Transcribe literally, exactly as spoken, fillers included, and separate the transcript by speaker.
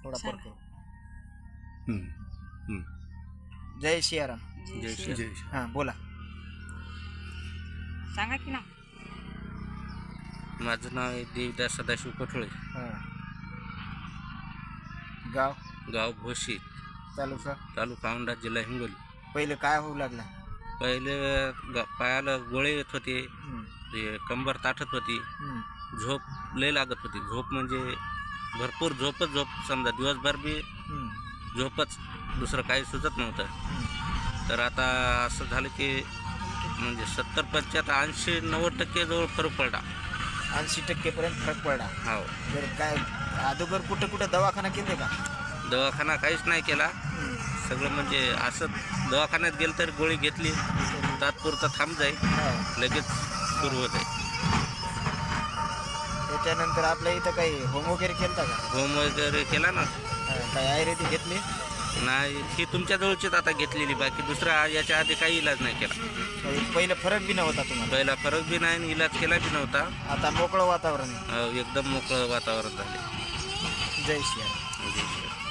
Speaker 1: थोडा
Speaker 2: सांग.
Speaker 1: फरक करू.
Speaker 3: हम्म, हम्म.
Speaker 1: जय सियाराम.
Speaker 3: जय श्री जय श्री.
Speaker 1: हां बोला.
Speaker 2: सांगा की ना.
Speaker 4: माझं नाव आहे देवदास सदाशिव कठोळे.
Speaker 1: हां. गाव
Speaker 4: गाव भोशी,
Speaker 1: तालुका
Speaker 4: तालुका औंढा, जिल्हा हिंगोली.
Speaker 1: पहिले काय होऊ लागला?
Speaker 4: पहिले ग पायाला गोळे येत होते,
Speaker 1: हम्म,
Speaker 4: ते कंबर ताठत होती,
Speaker 1: हम्म,
Speaker 4: झोप लय लागत होती. झोप म्हणजे भरपूर झोपच झोप, समजा दिवसभर बी
Speaker 1: हम्म,
Speaker 4: झोपच, दुसरं काही सुचत नव्हतं.
Speaker 1: हम्म.
Speaker 4: तर आता असं झालं की म्हणजे सत्तर पंच्याहत्तर ऐंशी नव्वद टक्के जवळ फरक पडला.
Speaker 1: ऐंशी टक्केपर्यंत फरक पडला.
Speaker 4: हो.
Speaker 1: तर काय अगोदर कुठं कुठं दवाखाना केले का?
Speaker 4: दवाखाना काहीच नाही केला. सगळं म्हणजे असं दवाखान्यात गेलं तर गोळी घेतली, तात्पुरता थांब जाईल,
Speaker 1: हां.
Speaker 4: लगेच सुरू होत आहे.
Speaker 1: त्याच्यानंतर आपल्या इथं काही होम वगैरे केलं का?
Speaker 4: होम वगैरे केला ना.
Speaker 1: हां, काही आयुर्वेदिक घेतली?
Speaker 4: नाही, ही तुमच्या जवळचीच आता घेतलेली, बाकी दुसरा याच्या आधी काही इलाज नाही केला.
Speaker 1: काही पहिलं फरक बी नव्हता तुम्हाला?
Speaker 4: पहिला फरक बी नाही आणि इलाज केला बी नव्हता.
Speaker 1: आता मोकळं वातावरण आहे.
Speaker 4: अहो, एकदम मोकळं वातावरण झाले.
Speaker 1: जय श्री राम.